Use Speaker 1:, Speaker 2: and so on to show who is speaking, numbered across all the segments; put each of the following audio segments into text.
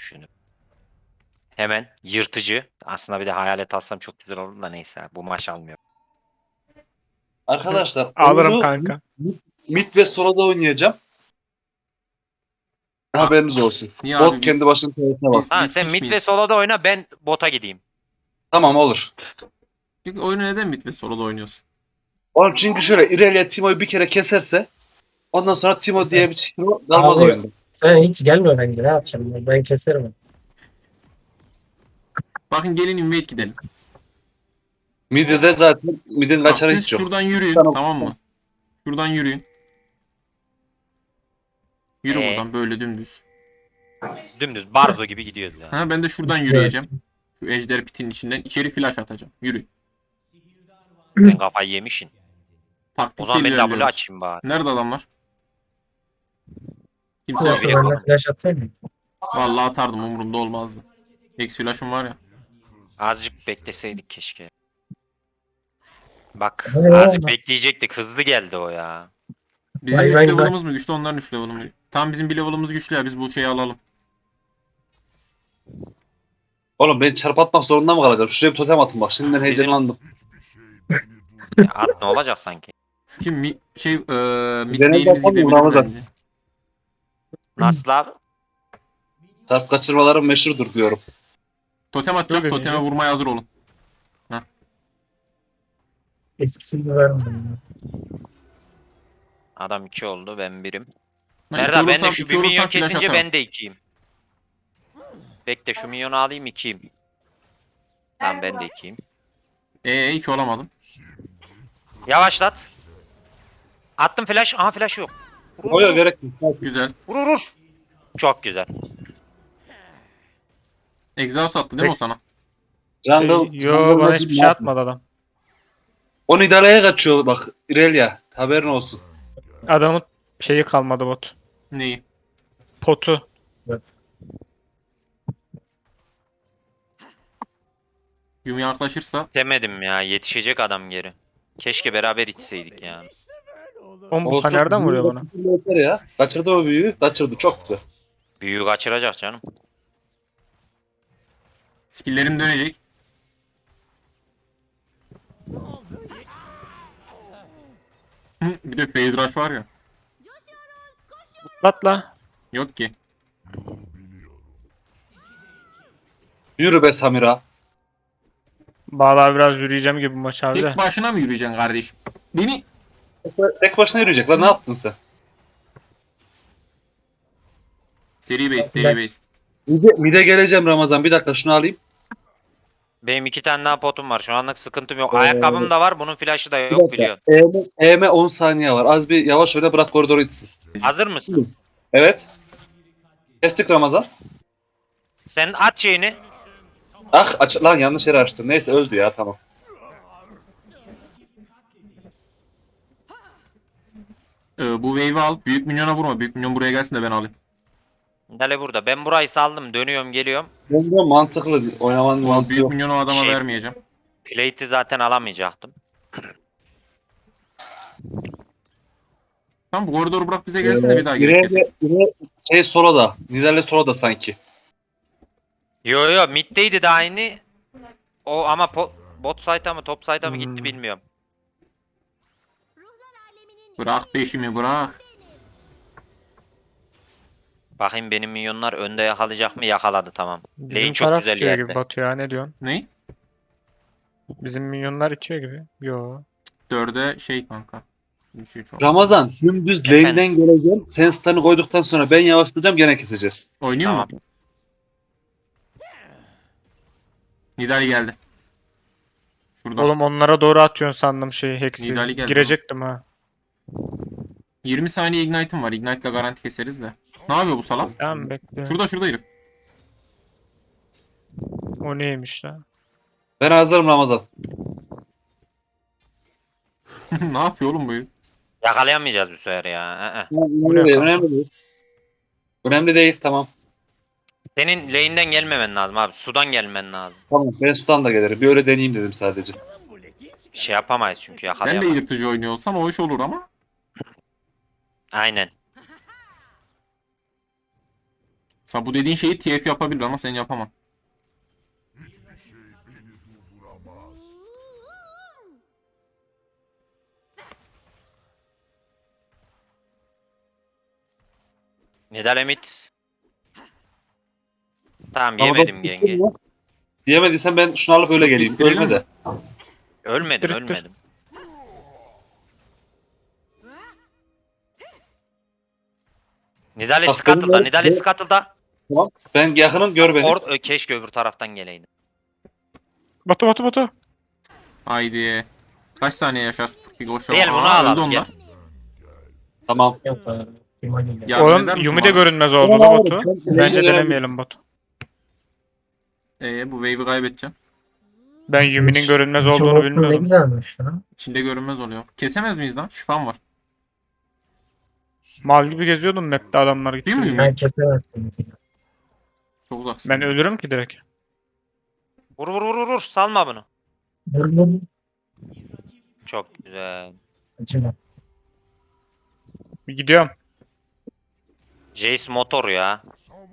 Speaker 1: düşünüp. Hemen yırtıcı. Aslında bir de hayalet alsam çok güzel olur da neyse. Bu maç almıyor.
Speaker 2: Arkadaşlar
Speaker 3: Alırım
Speaker 2: oyunu
Speaker 3: kanka.
Speaker 2: mid ve solo'da oynayacağım. Haberiniz olsun.
Speaker 4: Niye
Speaker 2: Bot
Speaker 4: abi
Speaker 2: kendi başının keyfine bak.
Speaker 1: Ha
Speaker 4: biz
Speaker 1: sen
Speaker 4: piç
Speaker 1: mid ve
Speaker 4: miyiz?
Speaker 1: solo'da oyna, ben bota gideyim.
Speaker 2: Tamam olur.
Speaker 4: Çünkü oyunu neden mid ve solo'da oynuyorsun?
Speaker 2: Oğlum çünkü şöyle İrelia Timo'yu bir kere keserse ondan sonra Timo diye bir Timo kalmaz
Speaker 5: Abi,
Speaker 2: oyunda.
Speaker 5: sen hiç gelme bence, ne yapacağım ben keserim.
Speaker 4: Bakın gelin invade gidelim.
Speaker 2: Mid'de de zaten mid'in
Speaker 4: Bak
Speaker 2: kaçarı
Speaker 4: siz
Speaker 2: hiç yok.
Speaker 4: şuradan yürüyün,
Speaker 2: Tamam.
Speaker 4: tamam mı? Şuradan yürüyün. Yürü
Speaker 1: Ee?
Speaker 4: buradan böyle dümdüz.
Speaker 1: Dümdüz Barzo gibi gidiyoruz ya.
Speaker 4: Ha, ben de şuradan yürüyeceğim. Şu ejder pitin içinden içeri flash atacağım. Yürü.
Speaker 1: Sen kafayı yemişsin. O
Speaker 4: Taktiksel
Speaker 1: zaman ben W
Speaker 4: ilerliyoruz.
Speaker 1: açayım bari.
Speaker 4: Nerede adamlar? Kimse
Speaker 1: Yok,
Speaker 4: yok.
Speaker 1: biri-
Speaker 5: Ben de flash atayım mı?
Speaker 4: Vallahi atardım, umurumda olmazdı. X flash'ım var ya.
Speaker 1: Azıcık bekleseydik keşke. Bak
Speaker 5: Ne
Speaker 1: azıcık
Speaker 5: oldu?
Speaker 1: bekleyecektik. Hızlı geldi o ya.
Speaker 4: Bizim
Speaker 5: Vay
Speaker 4: 3
Speaker 5: vay vay.
Speaker 4: level'ımız mı güçlü, onların 3 level'ı mı? Tam bizim bir level'ımız güçlü ya, biz bu şeyi alalım.
Speaker 2: Oğlum ben çarp atmak zorunda mı kalacağım? Şuraya bir totem atın bak. Şimdiden heyecanlandım.
Speaker 1: Ya at ne olacak sanki?
Speaker 4: Şu kim mid
Speaker 2: Genelde
Speaker 4: lane'imiz
Speaker 2: yapamıyorum
Speaker 4: gidebilir
Speaker 2: Ramazan.
Speaker 4: bence.
Speaker 1: Nasıl abi?
Speaker 2: Çarp kaçırmalarım meşhurdur diyorum.
Speaker 4: Totem atacak,
Speaker 3: Öyle
Speaker 4: toteme
Speaker 3: diyecek.
Speaker 4: vurmaya hazır olun.
Speaker 5: Eskisini vermedim.
Speaker 1: Adam 2 oldu, ben birim.
Speaker 4: Ben
Speaker 1: Merda
Speaker 4: iki
Speaker 1: ben de
Speaker 4: vurursam-
Speaker 1: şu
Speaker 4: iki
Speaker 1: bir
Speaker 4: vurursam
Speaker 1: milyon
Speaker 4: flash
Speaker 1: kesince
Speaker 4: atarım.
Speaker 1: ben de 2'yim. Bekle şu milyonu alayım 2'yim. Tamam ben de 2'yim.
Speaker 4: 2 olamadım.
Speaker 1: Yavaşlat. Attım flash. Aha flash yok. Vur
Speaker 2: Oya
Speaker 1: vur
Speaker 2: gerek yok.
Speaker 4: Güzel.
Speaker 1: vur vur. Çok güzel.
Speaker 4: Exhaust attı değil mi o sana?
Speaker 3: Yo bana hiçbir şey atmadı adam.
Speaker 2: Onu idareye kaçıyor bak İrelia. Haberin olsun.
Speaker 3: Adamın şeyi kalmadı bot.
Speaker 4: Neyi?
Speaker 3: Potu.
Speaker 4: Yumi yaklaşırsa
Speaker 1: Demedim ya, yetişecek adam geri. Keşke beraber içseydik yani.
Speaker 3: Oğlum bu
Speaker 2: Olsun.
Speaker 3: nereden vuruyor bana?
Speaker 2: Yeter ya. Kaçırdı o büyüğü. Kaçırdı. Çok güzel.
Speaker 1: Büyüğü kaçıracak canım.
Speaker 4: skill'lerim dönecek. Bir de phase rush var ya.
Speaker 3: Atla.
Speaker 4: Yok ki.
Speaker 2: Yürü be Samira.
Speaker 3: Bağlar biraz yürüyeceğim gibi bu maç abi de.
Speaker 4: Tek başına mı yürüyeceksin kardeşim? Beni
Speaker 2: Tek başına yürüyecek lan. Ne yaptın sen?
Speaker 4: seri base, seri base.
Speaker 2: Mide geleceğim Ramazan. Bir dakika şunu alayım.
Speaker 1: Benim 2 tane daha potum var. Şu anlık sıkıntım yok. Ayakkabım da var. Bunun flash'ı da
Speaker 2: Bir
Speaker 1: yok
Speaker 2: dakika.
Speaker 1: biliyorsun.
Speaker 2: EM 10 saniye var. Az bir yavaş öyle bırak koridoru itsin.
Speaker 1: Hazır mısın?
Speaker 2: Evet. Kestik Ramazan.
Speaker 1: Sen at şeyini.
Speaker 2: Ah aç lan yanlış yere açtım. Neyse öldü ya tamam.
Speaker 4: Bu wave'i al. Büyük minyona vurma. Büyük minyon buraya gelsin de ben alayım.
Speaker 1: Dale burada. Ben burayı saldım. Dönüyorum geliyorum.
Speaker 2: Bence mantıklı oynamanın
Speaker 4: O
Speaker 2: mantığı
Speaker 4: büyük
Speaker 2: yok.
Speaker 4: minyonu o adama
Speaker 1: Şey-
Speaker 4: vermeyeceğim.
Speaker 1: Plate'i zaten alamayacaktım.
Speaker 4: Tamam, bu koridoru bırak bize gelsin de bir daha gerek
Speaker 2: İrelia-
Speaker 4: kesin.
Speaker 2: şey soloda. Nidale soloda sanki.
Speaker 1: Yo yo middeydi de aynı. O ama bot side'a mı top side'a mı gitti
Speaker 3: Hmm.
Speaker 1: bilmiyorum.
Speaker 4: Bırak peşimi bırak.
Speaker 1: Bakayım benim minyonlar önde yakalayacak mı? Yakaladı tamam.
Speaker 3: Bizim
Speaker 1: Lane çok
Speaker 3: taraf
Speaker 1: güzel
Speaker 3: itiyor
Speaker 1: yerde.
Speaker 3: gibi Batu ya, ne diyorsun?
Speaker 4: Ne?
Speaker 3: Bizim minyonlar itiyor gibi. Yo.
Speaker 4: 4'e şey kanka. Bir şey çok.
Speaker 2: Ramazan dümdüz
Speaker 1: Efendim?
Speaker 2: lane'den geleceğim. Sen stun'ı koyduktan sonra ben yavaşlayacağım gene keseceğiz.
Speaker 4: Oynayayım
Speaker 1: Tamam.
Speaker 4: mı? Nidali geldi. Şuradan.
Speaker 3: Oğlum onlara doğru atıyorsun sandım şeyi Hex'i.
Speaker 4: Nidali geldi
Speaker 3: Girecektim ha.
Speaker 4: 20 saniye ignite'ım var. Ignite'la garanti keseriz de. Ne yapıyor bu salak?
Speaker 3: Tamam bekle.
Speaker 4: Şurada herif.
Speaker 3: O neymiş lan?
Speaker 2: Ben hazırım Ramazan.
Speaker 4: Ne yapıyor oğlum bu herif?
Speaker 1: Yakalayamayacağız bu sefer ya.
Speaker 2: Önemli değil, önemli değil. Önemli değil tamam.
Speaker 1: Senin lane'den gelmemen lazım abi. Sudan gelmen lazım.
Speaker 2: Tamam ben stun da gelirim. Bir öyle deneyeyim dedim sadece.
Speaker 1: Şey yapamayız çünkü
Speaker 4: Sen de
Speaker 1: yakalayamayız.
Speaker 4: yırtıcı oynuyor olsan o iş olur ama.
Speaker 1: Aynen.
Speaker 4: Bu dediğin şeyi TF yapabilir ama sen yapamam.
Speaker 1: Nidal Emit. Tamam
Speaker 2: Ramadan
Speaker 1: yemedim
Speaker 2: tuttun
Speaker 1: yenge.
Speaker 2: mu? Diyemediysen ben şunu alıp öyle geleyim.
Speaker 4: İttirelim
Speaker 2: Ölme
Speaker 4: mi?
Speaker 2: de.
Speaker 1: Ölmedim
Speaker 3: İttir, ittir.
Speaker 1: ölmedim. Nidale
Speaker 2: Bak,
Speaker 1: Scuttle'da.
Speaker 2: benim-
Speaker 1: Nidale Scuttle'da.
Speaker 2: Tamam. Ben yakınım, gör beni.
Speaker 1: Keşke öbür taraftan geleydi.
Speaker 3: Batu.
Speaker 4: Haydi. Kaç saniye yaşarsın? Koşuyor.
Speaker 1: Gel bunu
Speaker 4: Aa,
Speaker 1: alalım,
Speaker 4: öldü onlar.
Speaker 1: gel.
Speaker 2: Tamam.
Speaker 5: Yok abi. Timoni'yle.
Speaker 4: Yardım eder
Speaker 3: Oğlum
Speaker 4: misin
Speaker 3: Yumi de
Speaker 4: bana?
Speaker 3: görünmez oldu
Speaker 2: Tamam
Speaker 3: da
Speaker 2: abi,
Speaker 3: Batu.
Speaker 2: sen-
Speaker 3: Bence
Speaker 2: sen-
Speaker 3: denemeyelim Batu.
Speaker 4: Bu wave'i kaybedeceğim.
Speaker 3: Ben Yumi'nin görünmez
Speaker 5: Şu
Speaker 3: olduğunu
Speaker 5: olsun ne
Speaker 3: bilmiyordum.
Speaker 5: güzelmiş lan.
Speaker 4: İçinde görünmez oluyor. Kesemez miyiz lan? Şifam var.
Speaker 3: Mal gibi geziyordum map'te adamlar
Speaker 4: Değil mi
Speaker 3: gitti.
Speaker 4: Yumi?
Speaker 5: Ben kesemezsin.
Speaker 4: Çok uzaksın.
Speaker 3: Ben ölürüm ki direkt.
Speaker 1: Vur vur vur vur. Salma bunu.
Speaker 5: Vurdum.
Speaker 1: Çok güzel.
Speaker 5: Acıma.
Speaker 3: Bir gidiyorum.
Speaker 1: Jace motor ya.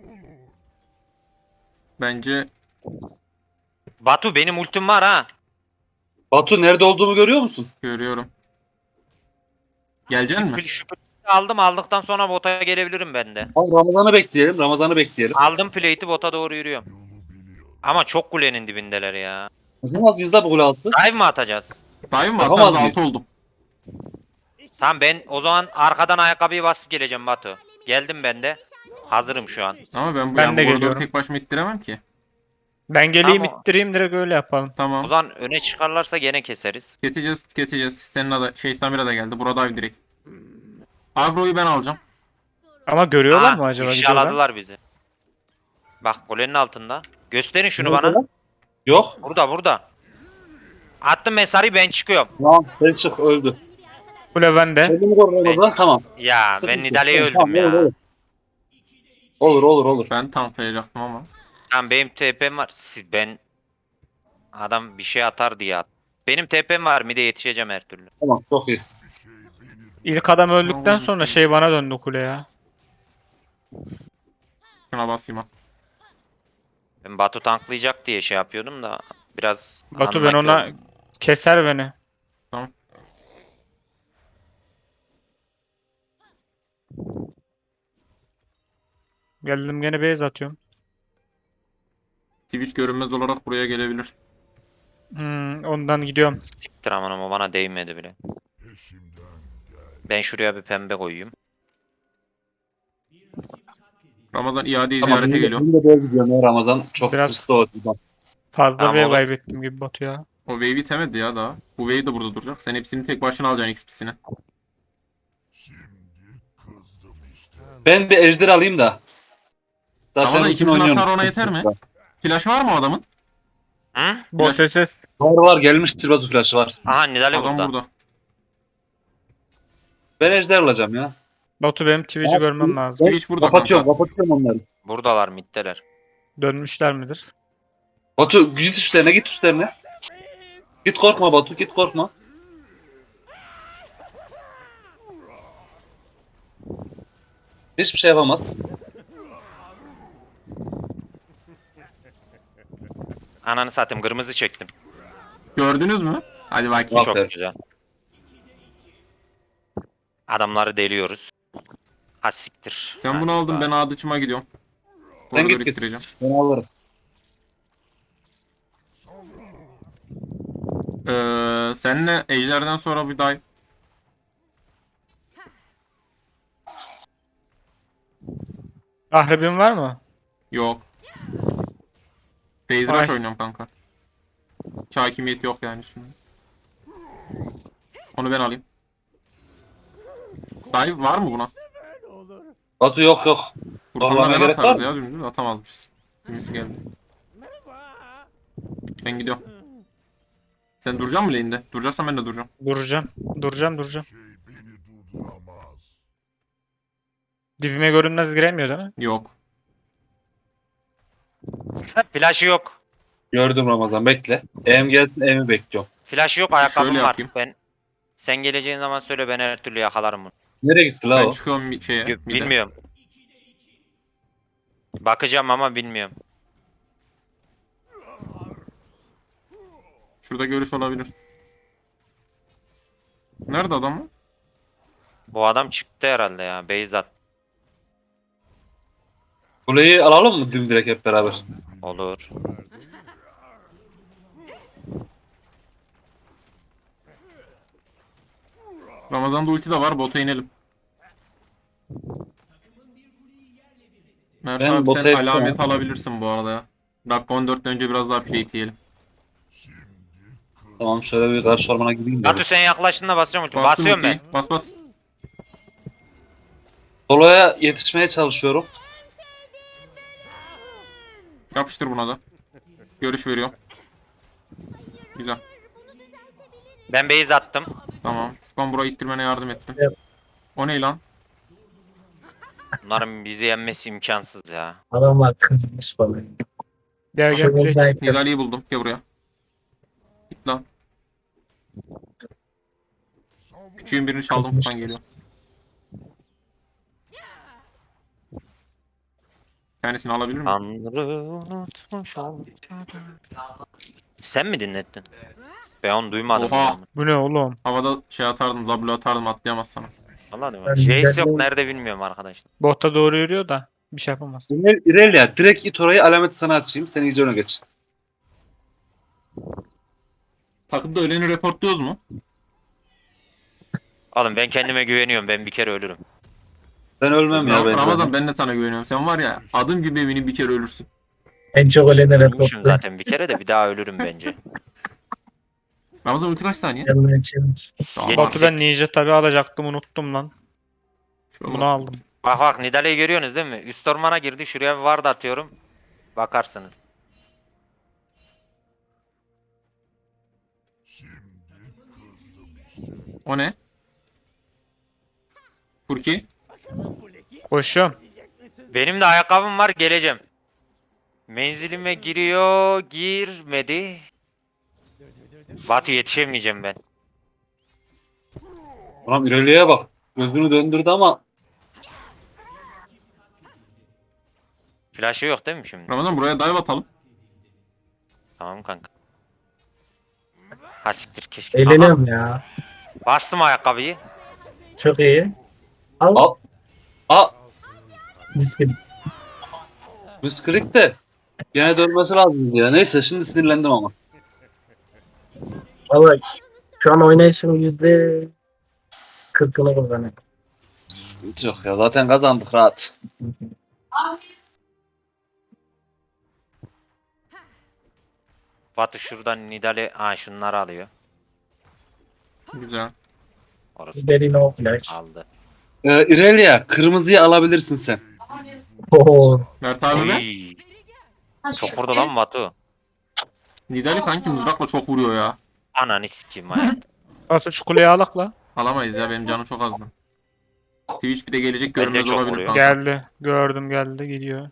Speaker 4: Bence
Speaker 1: Batu benim ultim var ha.
Speaker 2: Batu nerede olduğumu görüyor musun?
Speaker 4: görüyorum. Gelecek mi?
Speaker 1: Şu aldım, aldıktan sonra bota gelebilirim ben de.
Speaker 2: Tamam, Ramazan'ı bekleyelim. Ramazan'ı bekleyelim.
Speaker 1: Aldım plate'i, bota doğru yürüyorum. Ama çok kulenin dibindeler ya.
Speaker 2: Yapamaz biz de bu gol altı.
Speaker 1: Dive mi atacağız?
Speaker 4: Dive mi
Speaker 2: Yapamaz
Speaker 4: atarız?
Speaker 2: mıyız?
Speaker 4: 6 oldum.
Speaker 1: Tamam ben o zaman arkadan ayakkabıyı basıp geleceğim Batu. Geldim ben de. Hazırım şu an.
Speaker 4: Ama ben bu
Speaker 3: Ben
Speaker 4: yani
Speaker 3: de
Speaker 4: bu koridoru
Speaker 3: geliyorum.
Speaker 4: tek başıma ittiremem ki.
Speaker 3: Ben geleyim
Speaker 1: Tamam.
Speaker 3: ittireyim direkt öyle yapalım.
Speaker 1: O
Speaker 4: Tamam.
Speaker 1: zaman öne çıkarlarsa gene keseriz.
Speaker 4: Keseceğiz. Senin ada Samira da geldi. Burada dive direkt. Agro'yu ben alacağım.
Speaker 3: Ama görüyorlar
Speaker 1: Aa,
Speaker 3: mı acaba? Gidiyorlar.
Speaker 1: ifşaladılar bizi. Bak kulenin altında. Gösterin şunu bana.
Speaker 2: Yok.
Speaker 1: Burada. Attım mesarıyı, ben çıkıyorum.
Speaker 2: Tamam. Sen çık, öldü.
Speaker 3: Kule bende.
Speaker 2: Kendimi koru Ramazan. Tamam.
Speaker 1: Ya
Speaker 2: Sıkıntı
Speaker 1: ben
Speaker 2: yok.
Speaker 1: Nidale'ye öldüm
Speaker 2: Tamam,
Speaker 1: ya.
Speaker 2: Olur.
Speaker 4: Ben tanklayacaktım ama.
Speaker 1: Tamam benim TP'm var. Ben adam bir şey atar diye at. Benim TP'm var, bir de yetişeceğim her türlü.
Speaker 2: Tamam, çok iyi.
Speaker 3: İlk adam öldükten sonra şey bana döndü kule ya.
Speaker 4: Şuna basayım ha.
Speaker 1: Ben Batu tanklayacak diye şey yapıyordum da biraz
Speaker 3: Batu ben
Speaker 1: unlucky
Speaker 3: ona
Speaker 1: oldum.
Speaker 3: keser beni.
Speaker 4: Tamam.
Speaker 3: Geldim gene base atıyorum.
Speaker 4: Twitch görünmez olarak buraya gelebilir.
Speaker 3: Ondan gidiyorum.
Speaker 1: Siktir aman ama bana değmedi bile. Ben şuraya bir pembe koyayım.
Speaker 4: Ramazan iadeyi
Speaker 2: Tamam,
Speaker 4: ziyarete geliyor.
Speaker 2: benim de böyle gidiyorum ya Ramazan. Çok
Speaker 3: Biraz-
Speaker 2: tırstı o.
Speaker 3: Fazla
Speaker 1: Tamam,
Speaker 3: wave
Speaker 1: olur.
Speaker 3: kaybettim gibi Batu ya.
Speaker 4: O wave'i temedi ya daha. Bu wave de burada duracak. Sen hepsini tek başına alacaksın XP'sini.
Speaker 2: Ben bir ejder alayım da.
Speaker 4: Ramazan
Speaker 2: bütün
Speaker 4: ikimizin
Speaker 2: oynuyorum.
Speaker 4: hasarı ona yeter mi? Flash var mı o adamın?
Speaker 1: Hı?
Speaker 3: Bot SS.
Speaker 2: Var gelmiştir, Batu flash'ı var.
Speaker 1: Aha Nidale
Speaker 4: Adam
Speaker 1: burada.
Speaker 4: burada.
Speaker 2: Ben ejder alacağım ya.
Speaker 3: Batu benim Twitch'i
Speaker 2: Abi,
Speaker 3: görmem lazım.
Speaker 4: Twitch burada
Speaker 2: Kapatıyorum onları.
Speaker 1: Buradalar middeler.
Speaker 3: Dönmüşler midir?
Speaker 2: Batu git üstlerine. Git korkma Batu, git korkma. Hiçbir şey yapamaz.
Speaker 1: Ananı satayım, kırmızı çektim.
Speaker 4: Gördünüz mü? Hadi bakayım.
Speaker 2: Aferin.
Speaker 1: Çok güzel. Adamları deliyoruz. Ha siktir.
Speaker 4: Sen bunu
Speaker 1: Hadi
Speaker 4: aldın,
Speaker 1: bak.
Speaker 4: ben Adıç'ıma gidiyorum.
Speaker 2: Sen
Speaker 4: Koridoru
Speaker 2: git.
Speaker 4: ittireceğim.
Speaker 2: Ben alırım.
Speaker 4: Seninle Ejder'den sonra bir dive.
Speaker 3: Ahrebin var mı?
Speaker 4: Yok. Phase
Speaker 3: Ay.
Speaker 4: Rush oynuyorum kanka. Hakimiyet yok yani üstünde. Onu ben alayım. Dive var mı buna?
Speaker 2: Batu yok.
Speaker 4: Furkan'la
Speaker 2: Vallahi
Speaker 4: ben
Speaker 2: gerek
Speaker 4: atarız
Speaker 2: var
Speaker 4: ya dümdüz atamazmışız. Kimisi geldi. Ben gidiyorum. Sen duracak mısın lane'de? Duracaksan ben de duracağım.
Speaker 3: Duracağım. Dibime görünmez giremiyor değil mi?
Speaker 4: Yok.
Speaker 1: Flash'ı yok.
Speaker 2: Gördüm Ramazan, bekle. Em gelsin, Em'i bekliyorum.
Speaker 1: Flash'ı yok, ayakkabım
Speaker 4: Şöyle
Speaker 1: var.
Speaker 4: yapayım.
Speaker 1: Sen geleceğin zaman söyle, ben her türlü yakalarım bunu.
Speaker 2: Nereye gitti la
Speaker 4: Ben
Speaker 2: o?
Speaker 4: çıkıyorum bir şeye. bir de.
Speaker 1: Bilmiyorum. Bakacağım ama bilmiyorum.
Speaker 4: Şurada görüş olabilir. Nerede adam mı?
Speaker 1: Bu adam çıktı herhalde ya. Beyzat.
Speaker 2: Kuleyi alalım mı dimdirek hep beraber?
Speaker 1: Olur.
Speaker 4: Ramazan'da ulti de var. Bota inelim. Mert
Speaker 2: Ben
Speaker 4: abi
Speaker 2: bota
Speaker 4: sen
Speaker 2: ettim
Speaker 4: alamet
Speaker 2: ya.
Speaker 4: alabilirsin bu arada ya. Dakika 14'ten önce biraz daha plate yiyelim.
Speaker 2: Tamam şöyle bir karşı ormana gideyim de.
Speaker 1: Batu sen yaklaştığında basacağım ulti.
Speaker 4: Bastım
Speaker 1: Basıyorum ben.
Speaker 4: ultiyi. Bas bas.
Speaker 2: Solo'ya yetişmeye çalışıyorum.
Speaker 4: Yapıştır buna da. Görüş veriyorum. Güzel.
Speaker 1: Ben base attım.
Speaker 4: Tamam. Furkan burayı ittirmene yardım etsin.
Speaker 5: Evet.
Speaker 4: O ne lan?
Speaker 1: Bunların bizi yenmesi imkansız ya.
Speaker 5: Adamlar kızmış bana.
Speaker 3: Gel gel
Speaker 5: Şuradan
Speaker 3: direkt.
Speaker 5: belki
Speaker 4: Nidalee'yi buldum. Gel buraya. Git lan. Küçüğün birini çaldım.
Speaker 5: Kızmış.
Speaker 4: Furkan geliyor. Kendisini alabilir miyim?
Speaker 1: Tanrı unutmuş ortada. Sen mi dinlettin? Ben onu duymadım.
Speaker 4: Oha.
Speaker 1: ya.
Speaker 3: Bu ne oğlum?
Speaker 4: Havada şey atardım. W atardım. Atlayamaz sana.
Speaker 1: Anladın mı?
Speaker 5: Ben
Speaker 1: Jace yok
Speaker 5: dinledim.
Speaker 1: nerede bilmiyorum arkadaşlar.
Speaker 3: Bota doğru yürüyor da bir şey yapamaz.
Speaker 2: İrelia direkt it orayı alamet sana açayım. Sen iyice öne geç.
Speaker 4: Takımda öleni reportluyoruz mu?
Speaker 1: Oğlum ben kendime güveniyorum. Ben bir kere ölürüm.
Speaker 2: Ben ölmem ya bence.
Speaker 4: Ramazan ben de sana güveniyorum. Sen var ya adım gibi eminim bir kere ölürsün.
Speaker 5: en çok ölenlere
Speaker 1: Ölmüşüm
Speaker 5: toplu.
Speaker 1: zaten bir kere de bir daha ölürüm bence.
Speaker 4: Ramazan ulti kaç saniye?
Speaker 5: Yanına challenge.
Speaker 4: Tamam.
Speaker 3: Batu ben ninja tabi alacaktım unuttum lan.
Speaker 4: Şu
Speaker 3: Bunu
Speaker 4: olmaz.
Speaker 3: aldım.
Speaker 1: Bak bak Nidalee'yi görüyorsunuz değil mi? Üst ormana girdi. Şuraya bir ward atıyorum. Bakarsınız.
Speaker 4: O ne? Furki?
Speaker 3: Koşuyorum.
Speaker 1: Benim de ayakkabım var geleceğim. Menzilime giriyor. Girmedi. Batu yetişemeyeceğim ben.
Speaker 2: Ulan İrelia'ya bak. Gözünü döndürdü ama
Speaker 1: Flash'ı yok değil mi şimdi?
Speaker 4: Ramazan buraya dive atalım.
Speaker 1: Tamam kanka. Ha siktir keşke. Aha,
Speaker 5: Eğleniyorum ya.
Speaker 1: bastım ayakkabıyı.
Speaker 5: Çok iyi. Al.
Speaker 2: al. Aa,
Speaker 5: Mis gibi.
Speaker 2: misklik de gene dönmesi lazım ya. Neyse şimdi sinirlendim ama.
Speaker 5: Valla şu an oynayışım %40'ını kullanıyor.
Speaker 2: Sıkıntı yok ya. Zaten kazandık rahat.
Speaker 1: Batu şuradan Nidale şunları alıyor.
Speaker 4: Güzel.
Speaker 1: Orası
Speaker 5: Derin o flash.
Speaker 1: aldı.
Speaker 2: İrelia kırmızıyı alabilirsin sen.
Speaker 5: Oo.
Speaker 4: Mert abi ne?
Speaker 1: Oy. Çok vurdu lan Batu.
Speaker 4: Nidali kanki mızrakla çok vuruyor ya.
Speaker 1: Ananı sikeyim hayat.
Speaker 3: Batu şu kuleyi alak la.
Speaker 4: Alamayız ya benim canım çok azdı. Twitch bir de gelecek
Speaker 1: Ben de
Speaker 4: görünmez
Speaker 1: çok
Speaker 4: olabilir
Speaker 1: vuruyor.
Speaker 4: kanka.
Speaker 3: Geldi. Gördüm geldi gidiyor.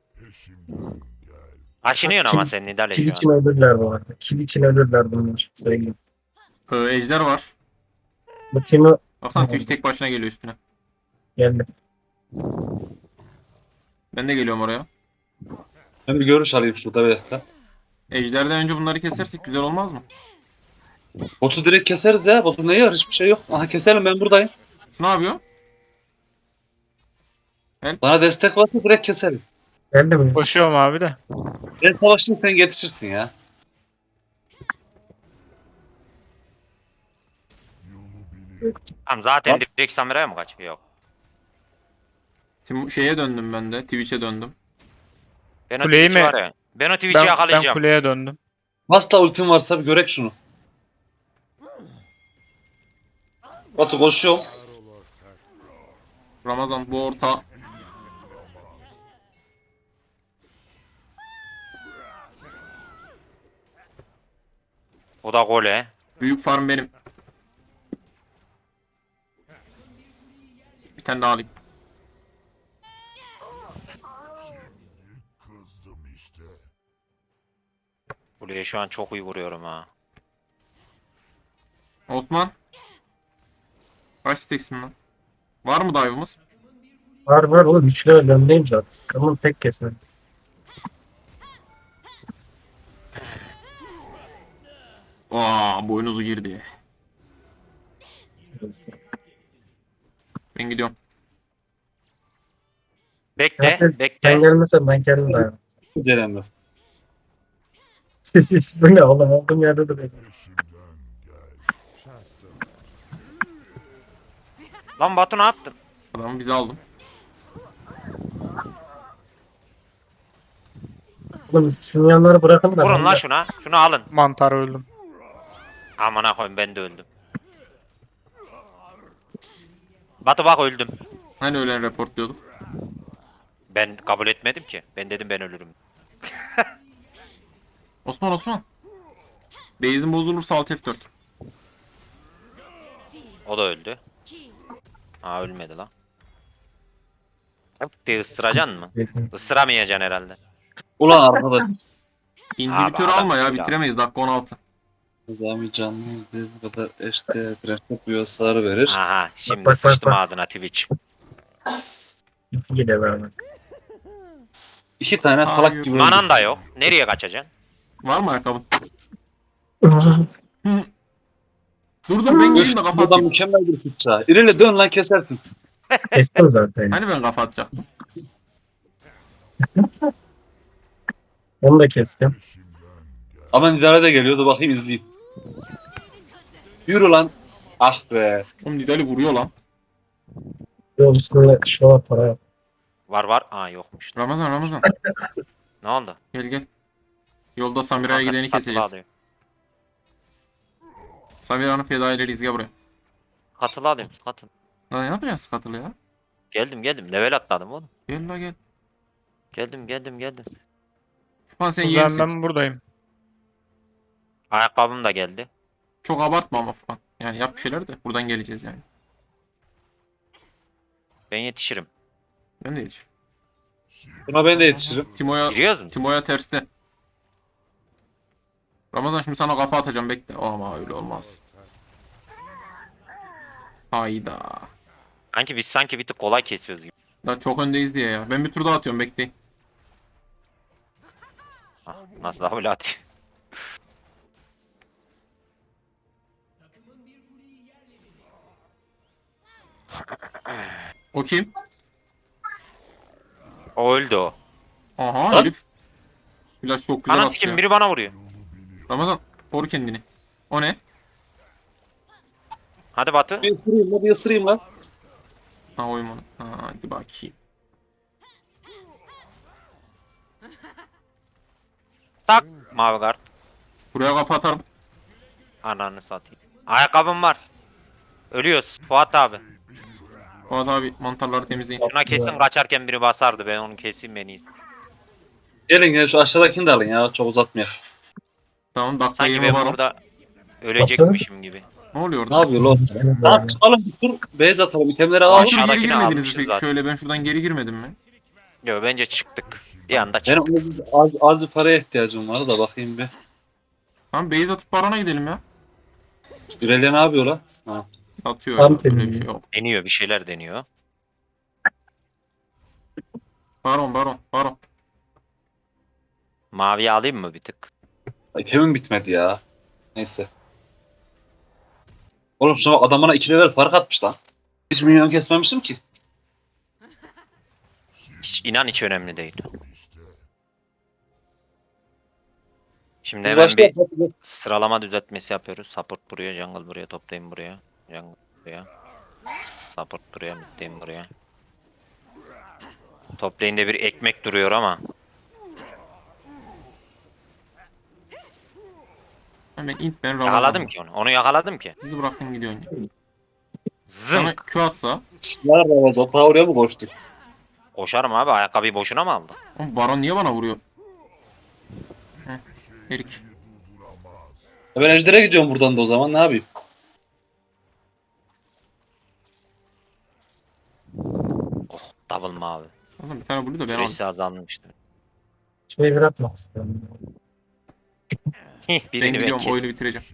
Speaker 1: Aşınıyorsun ama sen Nidale
Speaker 5: Kill
Speaker 1: şu
Speaker 5: için
Speaker 1: an.
Speaker 5: ölürler bu arada. Kill için ölürler bunlar. Söyleyeyim.
Speaker 4: Ejder var.
Speaker 5: Bu Timo
Speaker 4: Baksana Twitch tek başına geliyor üstüne.
Speaker 5: geldi.
Speaker 4: Ben de geliyorum oraya.
Speaker 2: Ben bir görüş alayım şurada bir dakika.
Speaker 4: Ejder'den önce bunları kesersek güzel olmaz mı?
Speaker 2: Botu direkt keseriz ya. Botu neyi var? Hiçbir şey yok. Aha keselim ben buradayım.
Speaker 4: Şu ne yapıyor?
Speaker 2: Bana destek varsa direkt keselim.
Speaker 5: Geldi mi?
Speaker 3: Koşuyorum abi de.
Speaker 2: Ben savaşayım sen yetişirsin ya.
Speaker 1: Tamam zaten
Speaker 2: Bak.
Speaker 1: direkt Samira'ya mı kaçıyor? Yok.
Speaker 4: Şeye döndüm ben de. Twitch'e döndüm.
Speaker 1: Ben o
Speaker 3: Kuleyi
Speaker 1: Twitch'i
Speaker 3: mi?
Speaker 1: var ya. Ben o Twitch'i
Speaker 3: Ben
Speaker 1: yakalayacağım.
Speaker 3: kuleye döndüm.
Speaker 2: Hasta ultim varsa bir görek şunu. Batu koşuyorum.
Speaker 4: Ramazan bu orta.
Speaker 1: O da gole.
Speaker 4: Büyük farm benim. Bir tane daha alayım.
Speaker 1: Kuleye şu an çok iyi vuruyorum ha.
Speaker 4: Osman. Kaç steksin lan? Var mı dive'ımız?
Speaker 5: Var var oğlum. 3 level öndeyim zaten. Tamam tek keser.
Speaker 4: Boynuzu girdi. Ben gidiyorum.
Speaker 1: Bekle,
Speaker 5: Zaten sen
Speaker 1: bekle.
Speaker 5: gelmesen ben kendim dayanırım.
Speaker 2: Gelemez.
Speaker 5: Bu ne oğlum? Olduğum yerde de bekliyorum.
Speaker 1: Lan Batu ne yaptın?
Speaker 4: Adamı bize aldım.
Speaker 5: Oğlum şunun yanları bırakın da.
Speaker 1: Vurun
Speaker 5: ben
Speaker 1: lan
Speaker 5: de-
Speaker 1: şuna. Şunu alın.
Speaker 3: Mantar öldüm.
Speaker 1: Amına koyayım ben de öldüm. Batu bak öldüm.
Speaker 4: Hani ölen report diyorduk.
Speaker 1: Ben kabul etmedim ki. Ben dedim ben ölürüm.
Speaker 4: Osman. Base'in bozulursa alt F4.
Speaker 1: O da öldü. Aa ölmedi lan. Bir ısıracaksın mı? Isıramayacaksın herhalde.
Speaker 2: Ulan arkadaş.
Speaker 4: İnhibitör
Speaker 1: Abi,
Speaker 4: alma ya
Speaker 1: adam-
Speaker 4: bitiremeyiz dakika 16.
Speaker 2: Nizami canlı yüzde bu kadar eşte direnç yapıyor sarı verir.
Speaker 1: Aha şimdi
Speaker 5: bak,
Speaker 1: sıçtım
Speaker 5: bak.
Speaker 1: ağzına Twitch.
Speaker 5: İki geliyor beraber.
Speaker 2: 2 tane
Speaker 4: Hayır.
Speaker 2: salak gibi
Speaker 1: Manan da yok. Nereye kaçacaksın?
Speaker 4: Var mı ayakkabın? Dur ben geleyim de kafa
Speaker 2: Buradan
Speaker 4: atayım.
Speaker 2: mükemmel bir fıça. İrele dön lan kesersin.
Speaker 5: Kestim zaten.
Speaker 4: Hani ben kafa atacaktım.
Speaker 5: Onu da kestim.
Speaker 2: Ama Nidale de geliyordu bakayım izleyeyim. Yürü lan. Ah be.
Speaker 4: Oğlum Nidali vuruyor lan.
Speaker 5: Yol üstünde şu var para yap.
Speaker 1: Var. Aa yokmuş.
Speaker 4: Ramazan.
Speaker 1: Ne oldu?
Speaker 4: Gel. Yolda Samira'ya
Speaker 1: Kanka,
Speaker 4: gideni
Speaker 1: katılı
Speaker 4: keseceğiz.
Speaker 1: alıyorum.
Speaker 4: Samira'nın fedaileriyiz gel buraya.
Speaker 1: Katılı alıyorum. Katıl.
Speaker 4: Lan ne yapacaksın katılı ya?
Speaker 1: Geldim. Level atladım oğlum.
Speaker 4: Gel la gel.
Speaker 1: Geldim.
Speaker 4: Furkan sen
Speaker 3: O
Speaker 4: iyi
Speaker 3: zaman
Speaker 4: misin?
Speaker 3: ben buradayım.
Speaker 1: Ayakkabım da geldi.
Speaker 4: Çok abartma ama Furkan. Yani yap bir şeyler de buradan geleceğiz yani.
Speaker 1: Ben yetişirim.
Speaker 4: Ben de yetiş.
Speaker 2: Buna ben de yetişirim.
Speaker 1: Giriyoruz mu?
Speaker 4: Timo'ya terste. Ramazan şimdi sana kafa atacağım bekle. Ama öyle olmaz. Hayda.
Speaker 1: Sanki bir tık kolay kesiyoruz gibi.
Speaker 4: Daha çok öndeyiz diye ya. Ben bir tur daha atıyorum bekleyin.
Speaker 1: Ah, nasıl daha böyle atayım?
Speaker 4: O kim?
Speaker 1: O öldü o.
Speaker 4: Aha
Speaker 2: Lan.
Speaker 4: herif. Flash çok güzel
Speaker 1: Anam
Speaker 4: attı
Speaker 1: sikim
Speaker 4: ya.
Speaker 1: biri bana vuruyor.
Speaker 4: Ramazan koru kendini. O ne?
Speaker 1: Hadi Batu.
Speaker 2: Bir ısırayım lan.
Speaker 4: Ha oyun onu. Ha, hadi bakayım.
Speaker 1: Tak. Mavi kart.
Speaker 4: Buraya kafa atarım.
Speaker 1: Ananı satayım. Ayakkabım var. Ölüyoruz. Fuat abi.
Speaker 4: Fuat abi mantarları temizleyin.
Speaker 1: Şuna kesin kaçarken biri basardı. Ben onu keseyim en iyisi.
Speaker 2: Gelin gel şu aşağıdakini de alın ya çok uzatmayalım.
Speaker 4: Tamam dakika
Speaker 1: Sanki
Speaker 4: 20
Speaker 1: ben
Speaker 4: var.
Speaker 1: burada ölecekmişim gibi.
Speaker 4: Ne oluyor
Speaker 2: Ne
Speaker 4: orada?
Speaker 2: yapıyor lan? Tamam çıkalım bir tur. Beyaz atalım itemleri alalım.
Speaker 4: Aşırı geri
Speaker 1: Aşağıdakini
Speaker 4: girmediniz
Speaker 1: almışız
Speaker 4: peki.
Speaker 1: zaten.
Speaker 4: Şöyle ben şuradan geri girmedim mi?
Speaker 1: Yo bence çıktık. Bir anda
Speaker 2: Benim
Speaker 1: çıktık.
Speaker 2: az bir paraya ihtiyacım vardı da bakayım bir.
Speaker 4: Tamam base atıp barona gidelim ya.
Speaker 2: İrele ne yapıyor lan? Ha.
Speaker 4: Satıyor
Speaker 5: Tam
Speaker 4: ya. Öyle bir
Speaker 5: temizliği.
Speaker 4: şey yok.
Speaker 1: Deniyor bir şeyler deniyor.
Speaker 4: Baron.
Speaker 1: Maviye alayım mı bir tık?
Speaker 2: İtemim bitmedi ya. Neyse. Oğlum şuna bak adam bana 2 level fark atmış lan. Hiç minyon kesmemişim ki.
Speaker 1: Hiç önemli değil. Şimdi
Speaker 2: Biz
Speaker 1: hemen
Speaker 2: başta
Speaker 1: bir sıralama düzeltmesi yapıyoruz. Support buraya, jungle buraya, top lane buraya. Jungle buraya. Support buraya, mid lane buraya. Top lane'de bir ekmek duruyor ama.
Speaker 4: Hemen int ben Ramazan.
Speaker 1: Yakaladım ki onu. Onu yakaladım ki.
Speaker 4: Bizi bıraktın gidiyorsun ya. Sana
Speaker 1: Zınk.
Speaker 4: Q atsa.
Speaker 2: Nerede Ramazan? Ta oraya mı koştuk?
Speaker 1: Koşarım abi. Ayakkabıyı boşuna mı aldı?
Speaker 4: Oğlum Baron niye bana vuruyor? Heh. Erik.
Speaker 2: Ben Ejder'e gidiyorum buradan da o zaman ne yapayım?
Speaker 1: Oh, double mavi.
Speaker 4: Oğlum bir tane blue da ben aldım.
Speaker 1: Süresi azalmıştı.
Speaker 5: Şurayı bırakmak istiyorum.
Speaker 4: Ben
Speaker 1: Birini ben
Speaker 4: gidiyorum
Speaker 1: kesin.
Speaker 4: oyunu bitireceğim.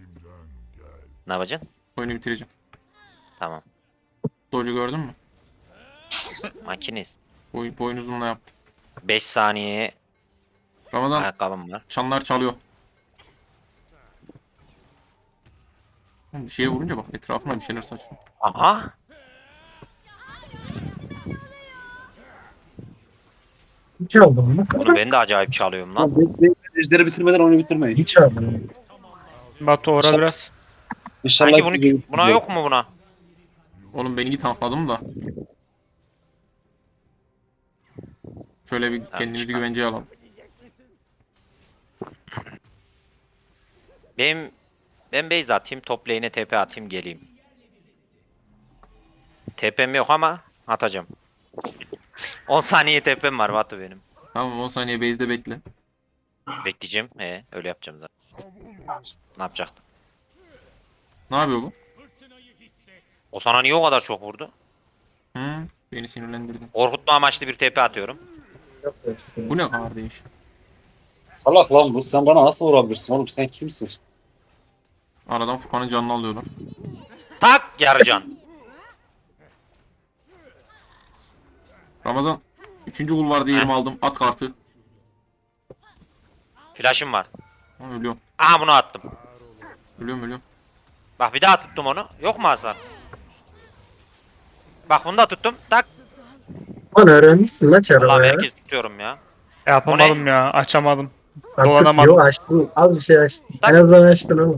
Speaker 1: Ne yapacaksın?
Speaker 4: Oyunu bitireceğim.
Speaker 1: Tamam.
Speaker 4: Doge'u gördün mü?
Speaker 1: Makinist.
Speaker 4: Boyun uzunluğuna yaptım.
Speaker 1: 5 saniyeye
Speaker 4: Ramazan
Speaker 1: ayakkabım var.
Speaker 4: çanlar çalıyor. Oğlum bir şeye vurunca bak etrafına bir şeyler saçıyor.
Speaker 1: Aha.
Speaker 5: Hiç aldım mı?
Speaker 1: Bunu ben de acayip çalıyorum lan.
Speaker 2: Ejderi bitirmeden oyunu bitirmeyin.
Speaker 5: Hiç aldım.
Speaker 3: Batu ora biraz.
Speaker 2: İnşallah
Speaker 1: Sanki buna yok mu buna?
Speaker 4: Oğlum beni git tankladım da. Şöyle bir kendimizi
Speaker 1: çıkar.
Speaker 4: güvenceye alalım.
Speaker 1: Ben base atayım, top lane'e TP atayım geleyim. TP'm yok ama atacağım. 10 saniye TP'm var Batu benim.
Speaker 4: Tamam 10 saniye base'de bekle.
Speaker 1: Bekleyeceğim. Öyle yapacağım zaten. Ne yapacaktım?
Speaker 4: Ne yapıyor bu?
Speaker 1: O sana niye o kadar çok vurdu?
Speaker 4: Hı, beni sinirlendirdin.
Speaker 1: Korkutma amaçlı bir TP atıyorum.
Speaker 5: Yok da istedim.
Speaker 4: Bu ne kardeş?
Speaker 2: Salak lan bu. Sen bana nasıl vurabilirsin oğlum? Sen kimsin?
Speaker 4: Aradan Furkan'ın canını alıyorlar.
Speaker 1: Tak yarıcan.
Speaker 4: Ramazan 3. kul var diye yerimi aldım. At kartı.
Speaker 1: Flash'ım var.
Speaker 4: Ha, ölüyorum.
Speaker 1: Aha bunu attım.
Speaker 4: Ölüyorum.
Speaker 1: Bak bir daha tuttum onu. Yok mu hasar? Bak bunu da tuttum. Tak.
Speaker 5: Lan öğrenmişsin lan çarabı
Speaker 1: Allah'ım
Speaker 5: ya.
Speaker 1: herkes tutuyorum ya.
Speaker 3: Yapamadım ya. Açamadım.
Speaker 5: Artık
Speaker 3: dolanamadım.
Speaker 5: Yok açtın. Az bir şey açtın.
Speaker 1: Tak.
Speaker 5: En azından açtın ama.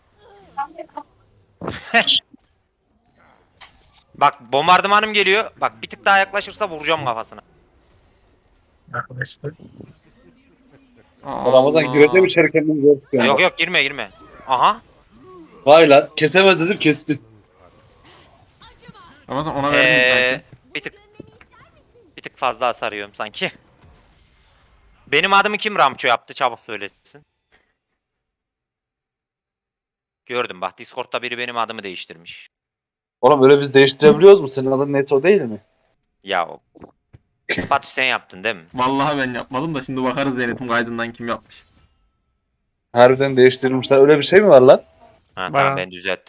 Speaker 1: Bak bombardımanım geliyor. Bak bir tık daha yaklaşırsa vuracağım kafasına.
Speaker 5: Arkadaşlar.
Speaker 2: Ramazan gireceğim içeri kendimi zor tutuyorum.
Speaker 1: Yok yok girme. Aha.
Speaker 2: Vay lan. Kesemez dedim kesti.
Speaker 4: Ramazan ona verdim.
Speaker 1: Bir tık fazla hasar yiyorum sanki. Benim adımı kim Ramço yaptı çabuk söylesin. Gördüm bak Discord'da biri benim adımı değiştirmiş.
Speaker 2: Oğlum öyle biz değiştirebiliyoruz mu? Senin adın Neto değil mi?
Speaker 1: Ya Batu sen yaptın değil mi?
Speaker 4: Vallahi ben yapmadım da şimdi bakarız denetim kaydından kim yapmış.
Speaker 2: Harbiden değiştirilmişler. Öyle bir şey mi var lan?
Speaker 1: Ha,
Speaker 3: Bana-
Speaker 1: tamam ben düzelttim.